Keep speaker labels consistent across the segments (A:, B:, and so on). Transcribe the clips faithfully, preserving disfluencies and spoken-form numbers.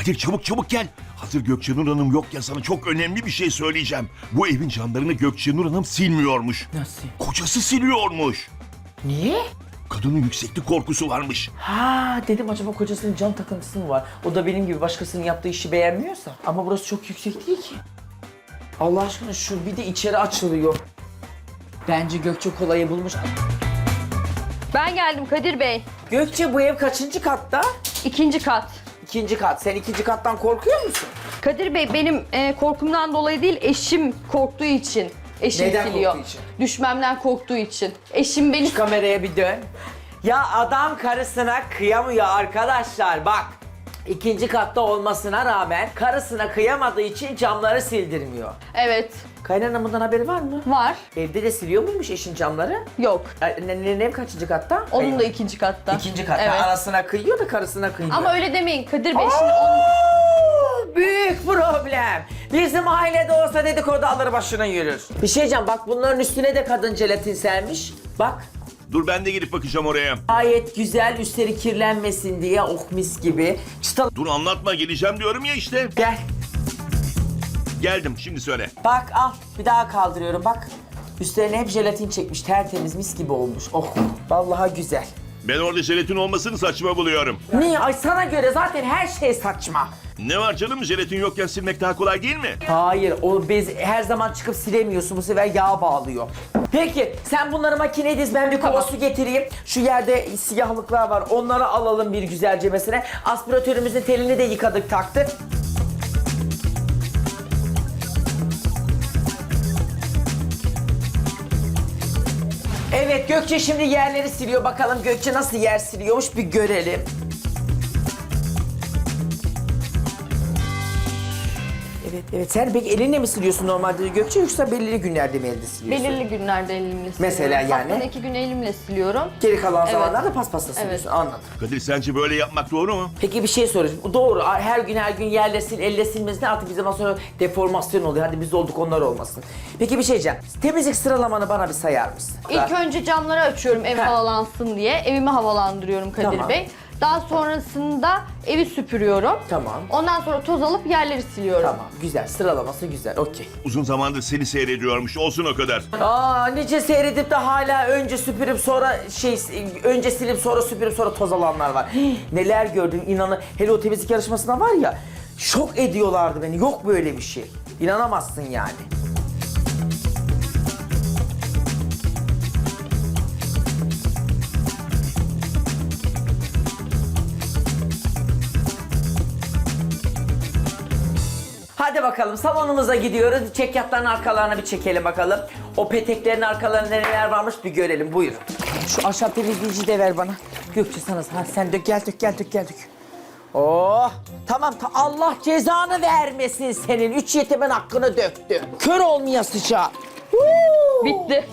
A: Kadir çabuk çabuk gel. Hazır Gökçenur Hanım yokken sana çok önemli bir şey söyleyeceğim. Bu evin camlarını Gökçenur Hanım silmiyormuş.
B: Nasıl?
A: Kocası siliyormuş.
B: Niye?
A: Kadının yükseklik korkusu varmış.
B: Ha dedim acaba kocasının cam takıntısı mı var? O da benim gibi başkasının yaptığı işi beğenmiyorsa. Ama burası çok yüksek değil ki. Allah aşkına şu bir de içeri açılıyor. Bence Gökçe kolayı bulmuş.
C: Ben geldim Kadir Bey.
B: Gökçe bu ev kaçıncı katta?
C: İkinci kat.
B: İkinci kat. Sen ikinci kattan korkuyor musun?
C: Kadir Bey benim e, korkumdan dolayı değil, eşim korktuğu için. Eşim
B: Neden
C: siliyor.
B: korktuğu için?
C: Düşmemden korktuğu için. Eşim beni...
B: Şu kameraya bir dön. Ya adam karısına kıyamıyor arkadaşlar bak. İkinci katta olmasına rağmen karısına kıyamadığı için camları sildirmiyor.
C: Evet.
B: Kaynananın bundan haberi var mı?
C: Var.
B: Evde de siliyor muymuş eşin camları?
C: Yok.
B: Ne, ne, ne kaçıncı katta?
C: Onun
B: Hayır.
C: da ikinci katta.
B: İkinci katta.
C: Evet.
B: Anasına kıyıyor da karısına kıyıyor.
C: Ama öyle demeyin Kadir Bey. Şimdi onun...
B: Oo, büyük problem. Bizim ailede olsa dedikodu alır başına yürür. Bir şey diyeceğim bak bunların üstüne de kadın jelatin sermiş. Bak.
A: Dur ben de gidip bakacağım oraya.
B: Gayet güzel üstleri kirlenmesin diye oh mis gibi. Çıtal
A: Dur anlatma geleceğim diyorum ya işte.
B: gel.
A: Geldim şimdi söyle.
B: Bak al bir daha kaldırıyorum bak. Üstlerine hep jelatin çekmiş tertemiz mis gibi olmuş. Oh vallahi güzel.
A: Ben orada jelatin olmasını saçma buluyorum.
B: Niye? Ay sana göre zaten her şey saçma.
A: Ne var canım jelatin yokken silmek daha kolay değil mi?
B: Hayır, o bez her zaman çıkıp silemiyorsun. Bu sefer yağ bağlıyor. Peki, sen bunları makineye diz, ben bir kova su getireyim. Şu yerde siyahlıklar var, onları alalım bir güzelce mesela. Aspiratörümüzün telini de yıkadık, taktık. Evet, Gökçe şimdi yerleri siliyor. Bakalım Gökçe nasıl yer siliyormuş bir görelim. Evet, evet. Sen peki elinle mi siliyorsun normalde Gökçe yoksa belirli günlerde mi elde siliyorsun?
C: Belirli günlerde elimle siliyorum.
B: Mesela yani?
C: Haftada iki gün elimle siliyorum.
B: Geri kalan
C: Evet.
B: zamanlarda paspasla siliyorsun.
C: Evet.
B: Anladım.
A: Kadir sence böyle yapmak doğru mu?
B: Peki bir şey sorayım. Bu doğru. Her gün her gün yerle sil, elle silmesine artık bir zaman sonra deformasyon oluyor. Hadi biz olduk onlar olmasın. Peki bir şey diyeceğim. Temizlik sıralamanı bana bir sayar mısın?
C: İlk önce camları açıyorum ev
B: Heh.
C: havalansın diye. Evimi havalandırıyorum Kadir
B: Tamam.
C: Bey. Daha sonrasında evi süpürüyorum.
B: Tamam.
C: Ondan sonra toz alıp yerleri siliyorum.
B: Tamam. Güzel. Sıralaması güzel. Okey.
A: Uzun zamandır seni seyrediyormuş olsun o kadar.
B: Aa nice seyredip de hala önce süpürüp sonra şey önce silip sonra süpürüp sonra toz alanlar var. Hii, neler gördüm inanın. Hele o temizlik yarışmasında var ya şok ediyorlardı beni. Yok böyle bir şey. İnanamazsın yani. Hadi bakalım salonumuza gidiyoruz. Çekyatların arkalarına bir çekelim bakalım. O peteklerin arkalarında neler varmış bir görelim. Buyur. Şu ahşap temizleyici de ver bana. Gökçe sana. Ha, sen dök gel dök gel dök gel dök. Oh tamam ta Allah cezanı vermesin senin. Üç yetimin hakkını döktü. Kör olmayasıca.
C: Bitti.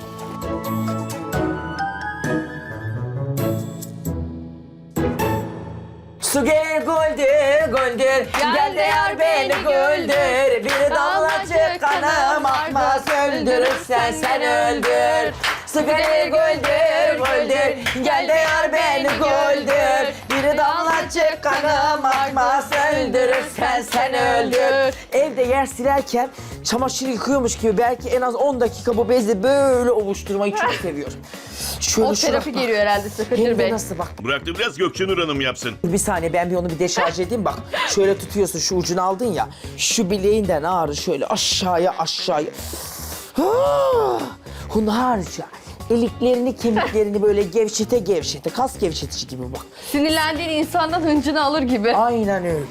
B: Su gel güldür güldür Gel de yar beni güldür Bir damlacık kanım akmaz Öldürürsen sen öldür Su gel güldür güldür Gel de yar beni güldür Bir damlacık kanım akmaz Öldürürsen sen öldür. Evde yer silerken çamaşır yıkıyormuş gibi belki en az on dakika bu bezle böyle ovuşturmayı çok seviyorum. Şöyle
C: O
B: şuna-
C: terapi geliyor herhalde size
B: Hem
C: Kadir
B: de
C: Bey.
B: nasıl bak.
A: Bıraktım biraz Gökçenur Hanım yapsın.
B: Bir saniye ben bir onu bir deşarj edeyim bak. Şöyle tutuyorsun şu ucunu aldın ya. Şu bileğinden ağrı şöyle aşağıya aşağıya. Ah, hunharca. Eliklerini kemiklerini böyle gevşete gevşete. Kas gevşetici gibi bak.
C: Sinirlendiğin insandan hıncını alır gibi.
B: Aynen öyle.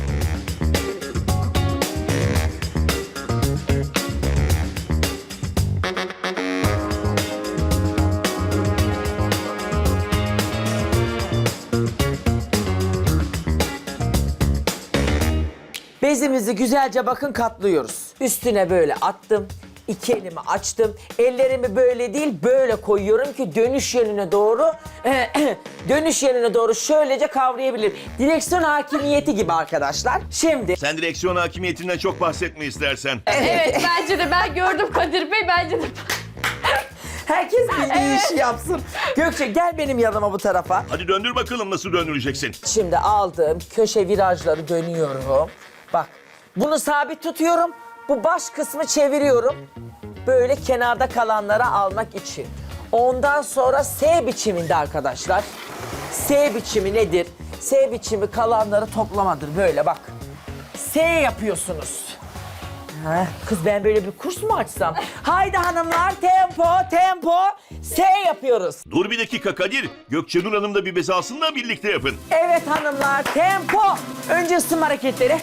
B: Bezimizi güzelce bakın katlıyoruz. Üstüne böyle attım. İki elimi açtım. Ellerimi böyle değil böyle koyuyorum ki dönüş yönüne doğru dönüş yönüne doğru şöylece kavrayabilirim. Direksiyon hakimiyeti gibi arkadaşlar. Şimdi
A: Sen direksiyon hakimiyetinden çok bahsetme istersen.
C: Evet bence de ben gördüm Kadir Bey bence de.
B: Herkes bildiği işi yapsın. Gökçe gel benim yanıma bu tarafa.
A: Hadi döndür bakalım nasıl döndüreceksin.
B: Şimdi aldım köşe virajları dönüyorum. Bak bunu sabit tutuyorum. Bu baş kısmı çeviriyorum. Böyle kenarda kalanları almak için. Ondan sonra S biçiminde arkadaşlar. S biçimi nedir? S biçimi kalanları toplamadır. Böyle bak. S yapıyorsunuz. Ha, kız ben böyle bir kurs mu açsam? Haydi hanımlar tempo tempo S yapıyoruz.
A: Dur bir dakika Kadir. Gökçenur Hanım da bir bez alsın da birlikte yapın.
B: Evet hanımlar tempo. Önce ısınma hareketleri.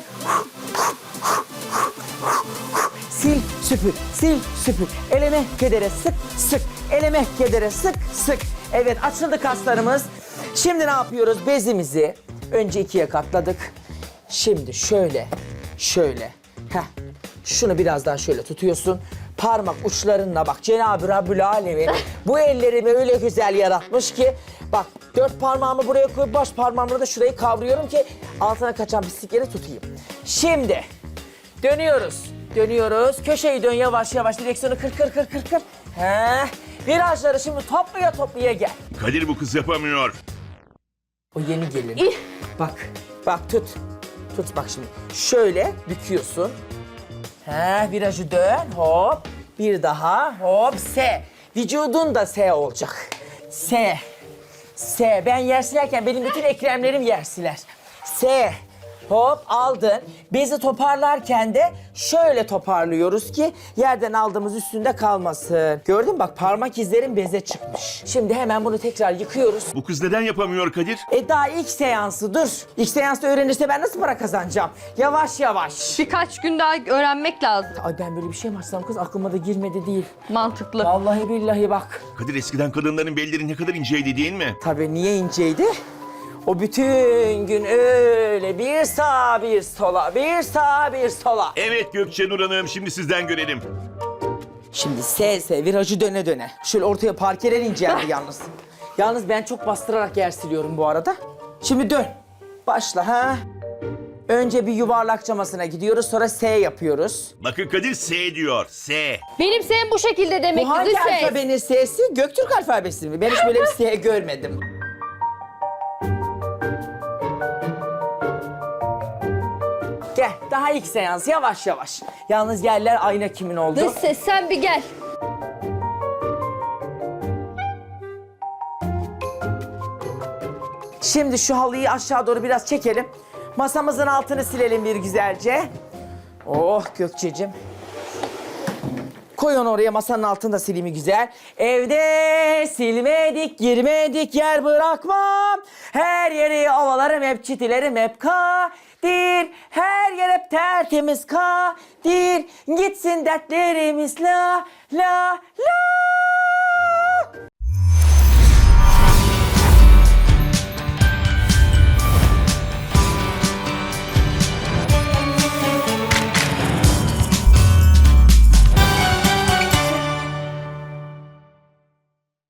B: Sil süpür, sil süpür. Eleme kedere sık sık. Eleme kedere sık sık. Evet açıldı kaslarımız. Şimdi ne yapıyoruz? Bezimizi önce ikiye katladık. Şimdi şöyle, şöyle. Heh. Şunu biraz daha şöyle tutuyorsun. Parmak uçlarınla bak Cenab-ı Rabbül Alemin bu ellerimi öyle güzel yaratmış ki bak dört parmağımı buraya koyup baş parmağımla da şurayı kavruyorum ki altına kaçan pislikleri tutayım. Şimdi dönüyoruz. Dönüyoruz. Köşeyi dön yavaş yavaş direksiyonu kır kır kır kır kır. Heh. Virajları şimdi toplaya toplaya gel.
A: Kadir bu kız yapamıyor.
B: O yeni gelin. Bak, bak tut. Tut bak şimdi. Şöyle büküyorsun. He, virajı dön, hop. Bir daha, hop, S. Vücudun da S olacak. S. S. Ben yer silerken benim bütün ekremlerim yer siler. S. Hop aldın. Bezi toparlarken de şöyle toparlıyoruz ki yerden aldığımız üstünde kalmasın. Gördün mü bak parmak izlerim beze çıkmış. Şimdi hemen bunu tekrar yıkıyoruz.
A: Bu kız neden yapamıyor Kadir?
B: E daha ilk seansı dur. İlk seansta öğrenirse ben nasıl para kazanacağım? Yavaş yavaş.
C: Birkaç gün daha öğrenmek lazım.
B: Ay ben böyle bir şey mi açsam kız aklıma da girmedi değil.
C: Mantıklı.
B: Vallahi billahi bak.
A: Kadir eskiden kadınların belleri ne kadar inceydi değil mi?
B: Tabii niye inceydi? O bütün gün öyle bir sağa bir sola, bir sağa bir sola.
A: Evet Gökçenur Hanım şimdi sizden görelim.
B: Şimdi S S virajı döne döne. Şöyle ortaya parkeler inceldi yalnız. Yalnız ben çok bastırarak yer siliyorum bu arada. Şimdi dön. Başla ha. Önce bir yuvarlak camasına gidiyoruz sonra S yapıyoruz.
A: Bakın Kadir S diyor. S.
C: Benim senin bu şekilde demek
B: Bu
C: ki
B: hangi
C: dış ses.
B: alfabenin S'si? Göktürk alfabesi mi? Ben hiç böyle bir S görmedim. Gel, daha ilk seans yavaş yavaş. Yalnız yerler ayna kimin oldu?
C: Dış ses sen bir gel.
B: Şimdi şu halıyı aşağı doğru biraz çekelim. Masamızın altını silelim bir güzelce. Oh Gökçe'cim. Koy onu oraya masanın altını da sileyim güzel. Evde silmedik, girmedik yer bırakmam. Her yeri ovalarım hep çitilerim hep kadir. Her yer hep tertemiz kadir. Gitsin dertlerimiz la la la.